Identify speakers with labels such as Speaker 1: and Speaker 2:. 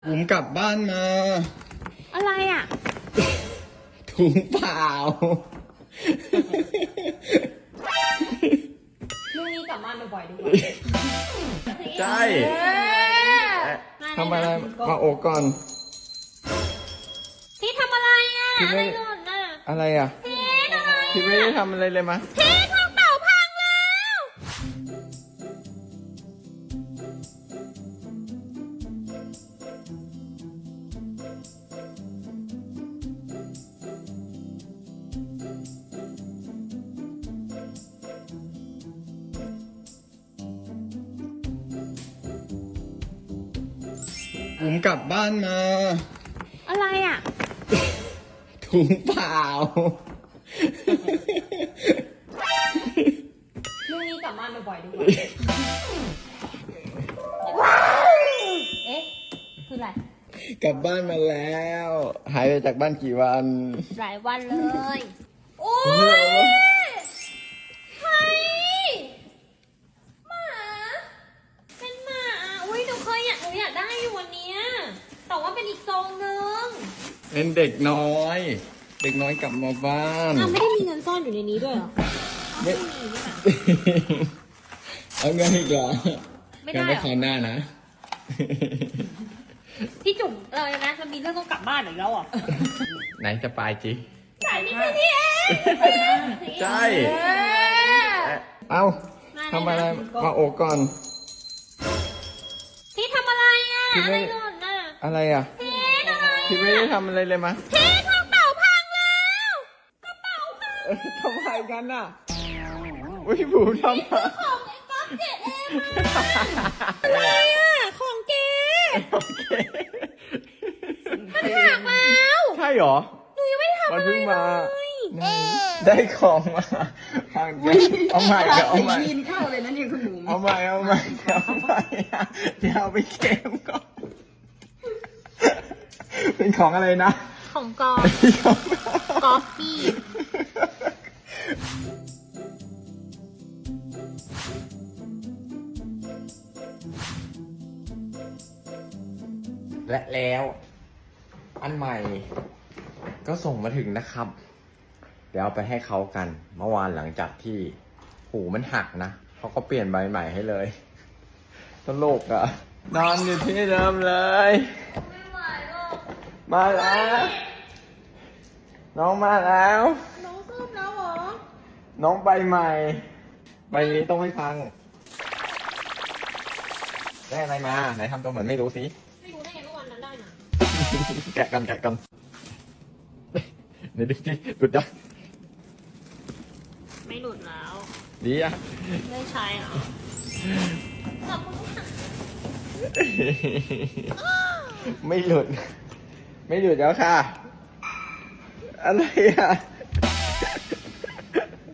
Speaker 1: ผมกลับบ้านมา
Speaker 2: อะไรอ่ะ
Speaker 1: ถุงเปล่า
Speaker 2: ลูกนี้กลับบ้านบ่อยๆดีกว่า
Speaker 1: ใช่ทำอะไรมาโอบก่อน
Speaker 2: พี่ทำอะไรอ่ะ
Speaker 1: พี่
Speaker 2: อะไร
Speaker 1: ไม่
Speaker 2: หล่นอ่ะ
Speaker 1: อะไรอ่ะ
Speaker 2: พี่อะไร
Speaker 1: พี่ไม่ได้ทำอะไรเลยมะ
Speaker 2: พี่กระเป๋าพังแล้ว
Speaker 1: ผมกลับบ้านมา
Speaker 2: อะไรอ่ะ
Speaker 1: ถุงเปล่า
Speaker 2: ลูกนี้กลับบ้านบ่อยๆดีกว่า เอ๊ะ คืออะไร
Speaker 1: กลับบ้านมาแล้ว หายไปจากบ้านกี่วัน
Speaker 2: หลายวันเลย โอ้ยใครหมา เป็นหมา อุ้ยหนูอยากได้อยู่วันเนี้ยแต่ว่าเป็นอีกทรงนึง
Speaker 1: เป็นเด็กน้อย เด็กน้อยกลับมาบ้าน
Speaker 2: อ้าวไม่ได้มีเงินซ่อนอยู่ในนี้ด้วยเหรอ
Speaker 1: ไม่
Speaker 2: ไม่มีนี่หว่า
Speaker 1: เอาเงินอีกเหรอ
Speaker 2: ไม่ได้
Speaker 1: งั้น
Speaker 2: เหรอ
Speaker 1: ไปคราวหน้านะ
Speaker 2: พี่จุ๋มเลยนะมันมีเรื่องต้องกลับบ้านอีกแล้วอ่ะ
Speaker 1: ไหนจะไปจี
Speaker 2: สายนี้แค่นี้เอง
Speaker 1: ใช่
Speaker 2: เออ
Speaker 1: เอ้าทำอะไรมาโอบก่อน
Speaker 2: พี่ทำอะไรอ่ะ
Speaker 1: พี่
Speaker 2: อะ
Speaker 1: ไม่
Speaker 2: ไรหล่นอ่ะ
Speaker 1: อะไรอ่ะ
Speaker 2: พี่อะไร
Speaker 1: พี่ไม่ได้ทำอะไรเลยมะ
Speaker 2: พี่กระเป๋าพังแล้วกระเป๋าพัง
Speaker 1: ทำไมกันน่ะอุ้ยผูทำไม
Speaker 2: ของไอ้ก๊อฟเจ็ดเองอะไรอ่ะของเก๋
Speaker 1: โอเค
Speaker 2: มันหักแล้ว
Speaker 1: ใช่เหรอ
Speaker 2: หนูยังไม่ได้ทำ
Speaker 1: มัน
Speaker 2: อะไร
Speaker 1: เพิ่งมา
Speaker 2: เลย
Speaker 1: ได้ของมาพังเดี๋ยวเอาใหม่เดี๋ยวเอาใหม่
Speaker 3: ยินเข้าเลยนะเนี่ยคุณหนู
Speaker 1: เอาใหม่เอาใหม่เดี๋ยวเอาใหม่เดี๋ยวเอาไปเก็บก่อนเป็นของอะไรนะ
Speaker 2: ของกอฟกอฟฟี่
Speaker 1: และแล้ว อันใหม่ก็ส่งมาถึงนะครับ เดี๋ยวเอาไปให้เขากัน เมื่อวานหลังจากที่หูมันหักนะเขาก็เปลี่ยนใบใหม่ให้เลยตลกอ่ะ นอนอยู่ที่เดิมเลย
Speaker 2: ไม่ไหวหรอก
Speaker 1: มาแล้ว น้องมาแล้ว
Speaker 2: น้องซ่อมแล้วเหรอ
Speaker 1: น้องใบใหม่ ใบนี้ต้องไม่พัง ได้อะไรมา ไหนทำตัวเหมือนไม่รู้สิ
Speaker 2: ไม่รู้ได้ไงเมื่อวันนั้นได้นะ
Speaker 1: แกะกันเดี๋ยวดูสิหลุดยัง
Speaker 2: ไม่หลุดแล้ว
Speaker 1: ดีอ่ะ
Speaker 2: ไม่ใช่เหรอขอบคุณค่ะ
Speaker 1: ไม่หลุด ไม่หลุดแล้วค่ะ อะไรอ่ะ